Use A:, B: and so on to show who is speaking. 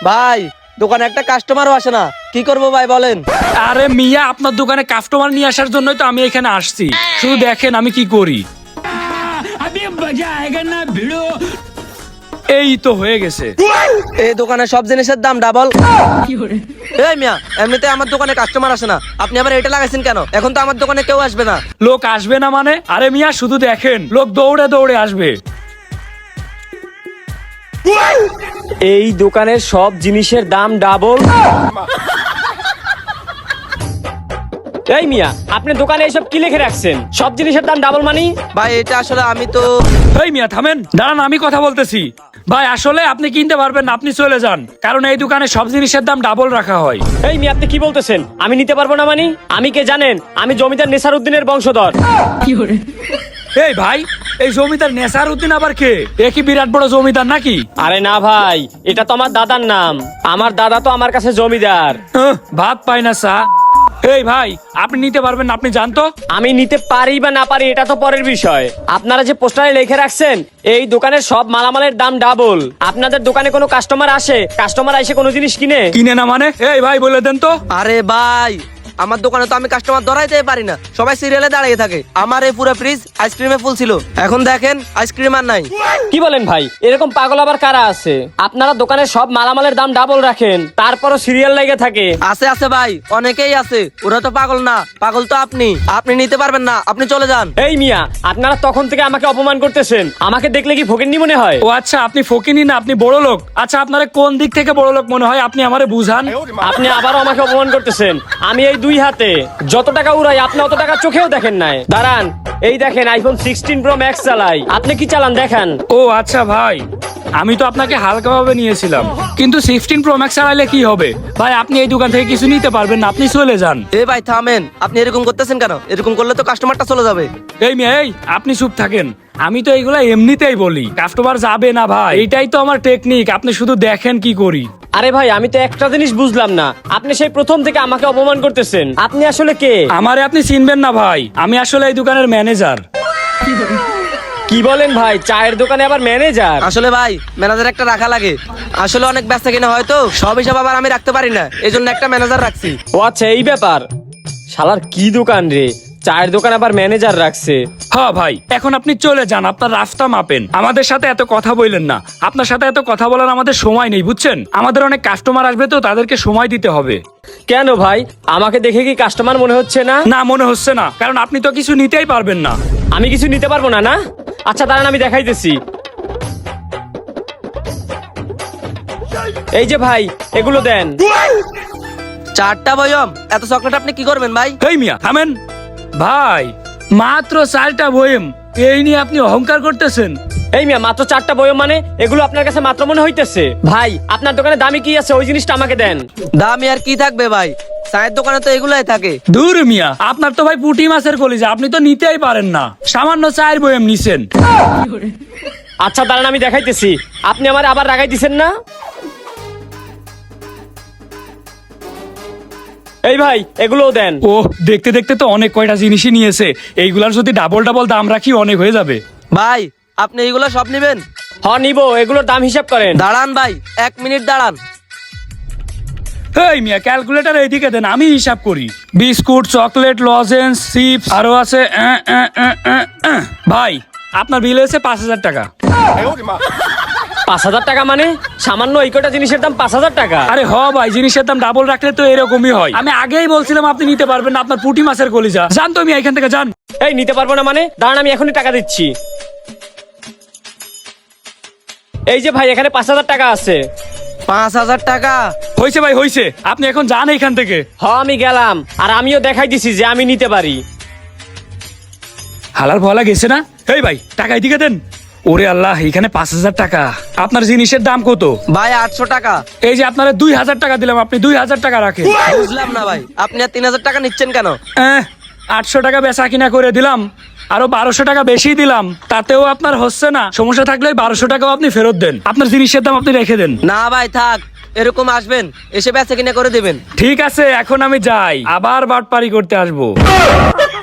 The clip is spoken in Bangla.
A: ভাই দোকানে একটা কাস্টমারও আসে না, কি করবো ভাই বলেন?
B: আরে মিয়া, আপনার দোকানে কাস্টমার নিয়ে আসার জন্যই তো আমি এখানে আসছি। শুধু দেখেন আমি কি করি। এই তো হয়ে গেছে।
A: এই দোকানে সব জিনিসের দাম ডাবল। এই মিয়া, এমনিতে আমার দোকানে কাস্টমার আসে না, আপনি আবার এটা লাগাইছেন কেন? এখন তো আমার দোকানে কেউ আসবে না।
B: লোক আসবে না মানে? আরে মিয়া শুধু দেখেন, লোক দৌড়ে দৌড়ে আসবে।
C: এই দোকানের সব জিনিসের দাম ডাবল। এই মিয়া, আপনি দোকানে এসব কি লিখে রাখছেন? সব জিনিসের দাম ডাবল মানি?
A: ভাই এটা আসলে আমি তো
B: এই মিয়া থামেন, দাঁড়ান আমি কথা বলতেছি। ভাই আসলে আপনি কিনতে পারবেন না, আপনি চলে যান, কারণ এই দোকানে সব জিনিসের দাম ডাবল রাখা হয়।
C: এই মিয়া, আপনি কি বলতেছেন? আমি নিতে পারবো না মানি? আমি কে জানেন? আমি জমিদার নেসার উদ্দিনের বংশধর।
B: এই ভাই, এই জমিদার নেসার উদ্দিন আবার কে? এ কি বিরাট বড় জমিদার নাকি?
C: আরে না ভাই, এটা তো আমার দাদার নাম। আমার দাদা তো আমার কাছে জমিদার।
B: ভাত পাই না চা। এই ভাই, আপনি নিতে পারবেন না, আপনি জানতো।
C: আমি নিতে পারি বা না পারি এটা তো পরের বিষয়। আপনারা যে পোস্টারে লিখে রাখছেন এই দোকানের সব মালামালের দাম ডাবল, আপনাদের দোকানে কোনো কাস্টমার আসে? কাস্টমার এসে কোনো জিনিস কিনে?
B: কিনে না মানে? এই ভাই বলে দেন তো।
A: আরে ভাই, আমার দোকানে তো আমি কাস্টমার ধরাইতে পারি না, সবাই সিরিয়ালে দাঁড়িয়ে থাকে। আমার এই পুরো ফ্রিজ আইসক্রিমে ফুল ছিল, এখন দেখেন আইসক্রিম আর নাই।
C: কি বলেন ভাই? এরকম পাগল আবার কারা আছে? আপনারা দোকানের সব মালামালের দাম ডাবল রাখেন, তারপরও সিরিয়াল লেগে থাকে।
A: আছে আছে ভাই, অনেকেই আছে, ওরা তো পাগল না, পাগল তো আপনি। আপনি নিতে পারবেন না, আপনি চলে যান।
C: এই মিয়া, আপনারা তখন থেকে আমাকে অপমান করতেছেন। আমাকে দেখলে কি ফকিন্নি মনে হয়?
B: ও আচ্ছা, আপনি ফকিনি না, আপনি বড় লোক। আচ্ছা, আপনার কোন দিক থেকে বড় লোক মনে হয়? আপনি আমারে বুঝান।
C: আপনি আবারও আমাকে অপমান করতেছেন। আমি এই দুই হাতে যত টাকা উড়াই আপনি অত টাকা চোখেও দেখেন নাই। দাঁড়ান, এই দেখেন আইফোন 16 প্রো ম্যাক্স চালাই। আপনি কি চালান দেখেন।
B: ও আচ্ছা ভাই, আমি তো আপনাকে হালকাভাবে নিয়েছিলাম, কিন্তু 16 প্রো ম্যাক্স চালাইলে কি হবে? ভাই আপনি এই দোকান থেকে কিছু নিতে পারবেন না, আপনি চলে যান।
A: এ ভাই থামেন, আপনি এরকম করতেছেন কেন? এরকম করলে তো কাস্টমারটা চলে যাবে।
B: এই মেয়ে, এই আপনি চুপ থাকেন। আমি তো এইগুলা এমনিতেই বলি, কাস্টমার যাবে না ভাই, এইটাই তো আমার টেকনিক। আপনি শুধু দেখেন কি করি।
C: আরে ভাই, আমি তো একটা জিনিস বুঝলাম না, আপনি সেই প্রথম থেকে আমাকে অপমান করতেছেন। আপনি আসলে কে?
B: আমারে আপনি চিনবেন না ভাই, আমি আসলে এই দোকানের ম্যানেজার।
C: কি বলেন ভাই? চায়ের দোকানে আবার ম্যানেজার?
A: আসলে ভাই ম্যানেজার একটা রাখা লাগে, আসলে অনেক ব্যস্ত কিনা হয়তো সব হিসাব আবার আমি রাখতে পারি না, এই জন্য একটা ম্যানেজার রাখছি।
C: ও আচ্ছা, এই ব্যাপার। শালার কি দোকান রে, চায়ের দোকান আবার ম্যানেজার রাখছে।
B: হ্যাঁ ভাই, এখন আপনি চলে যান, আপনার রাস্তা মাপেন। আমাদের সাথে এত কথা বললেন না, আপনার সাথে এত কথা বলার আমাদের সময় নেই, বুঝছেন? আমাদের অনেক কাস্টমার আসবে, তো তাদেরকে সময় দিতে হবে।
C: কেন ভাই, আমাকে দেখে কি কাস্টমার মনে হচ্ছে না?
B: না, মনে হচ্ছে না, কারণ আপনি তো কিছু নিতেই পারবেন না।
C: আমি কিছু নিতে পারবো না? না আচ্ছা দাঁড়ান, আমি দেখাইতেছি। এই যে ভাই, এগুলো দেন।
A: 4টা বয়ম, এত চকলেট আপনি কি করবেন ভাই?
B: এই মিয়া থামেন ভাই, মাত্র 4টা বয়েম, এই নিয়ে আপনি অহংকার করতেছেন?
C: এই মিয়া, মাত্র 4টা বয়ম মানে? এগুলো আপনার কাছে মাত্র মনে হইতেছে? ভাই আপনার দোকানে দামি কি আছে, ওই জিনিসটা আমাকে দেন।
A: দামি আর কি থাকবে ভাই, চায়ের দোকানে তো এগুলাই থাকে।
B: দূর মিয়া, আপনার তো ভাই পুঁটি মাছের কলিজা, আপনি তো নিতেই পারেন না, সামান্য 4 বয়েম নিছেন।
C: আচ্ছা দাঁড়ান, আমি দেখাইতেছি। আপনি আমার আবার রাগাই দিছেন না? এই ভাই, এগুলোও দেন।
B: ও, দেখতে দেখতে তো অনেক কয়টা জিনিসই নিয়েছে, এইগুলার যদি ডাবল ডাবল দাম রাখি অনেক হয়ে যাবে।
A: ভাই আপনি এইগুলো সব নিবেন?
C: হ নিব, এগুলোর দাম হিসাব করেন।
A: দাঁড়ান ভাই, 1 মিনিট দাঁড়ান।
B: এই মিয়া, ক্যালকুলেটর এইদিকে দেন, আমি হিসাব করি। বিস্কুট, চকলেট, লজেন্স, চিপস, আরো আছে। ভাই আপনার বিল হয়েছে 5,000 টাকা।
C: 5,000 টাকা মানে? সামান্য এই কটা জিনিসের দাম 5,000 টাকা?
B: আরে হ ভাই, জিনিসের দাম ডাবল রাখলে তো এরকমই হয়। আমি আগেই বলছিলাম আপনি নিতে পারবেন না, আপনার পুঁটি মাছের কলিজা। জান তো মিয়া, এখান থেকে যান।
C: এই নিতে পারবো না মানে? দাঁড়ান, আমি এখনই টাকা দিচ্ছি। এই যে ভাই, এখানে 5,000 টাকা আছে।
A: 5,000 টাকা?
B: হয়েছে ভাই হয়েছে, আপনি এখন যান এখান থেকে।
C: হ আমি গেলাম, আর আমিও দেখাই দিছি যে আমি নিতে পারি।
B: হালার ভলা গেছে না? এই ভাই টাকা এদিকে দেন। ওরে আল্লাহ, এখানে 5,000 টাকা। আপনার জিনিসের দাম কত?
A: ভাই 800 টাকা।
B: এই যে আপনারা 2,000 টাকা দিলাম, আপনি 2,000 টাকা রাখেন।
A: বুঝলাম না ভাই, আপনি আর 3,000 টাকা নিচ্ছেন কেন?
B: 800 টাকা বেচা কিনা করে দিলাম, আরো 1200 টাকা বেশি দিলাম, তাতেও আপনার হচ্ছে না। সমস্যা থাকলে 1200 টাকাও আপনি ফেরত দেন, আপনার জিনিসের দাম আপনি রেখে দেন।
A: না ভাই থাক, এরকম আসবেন এসে বেচা কিনা করে দেবেন।
B: ঠিক আছে, এখন আমি যাই, আবার বাটপারি করতে আসবো।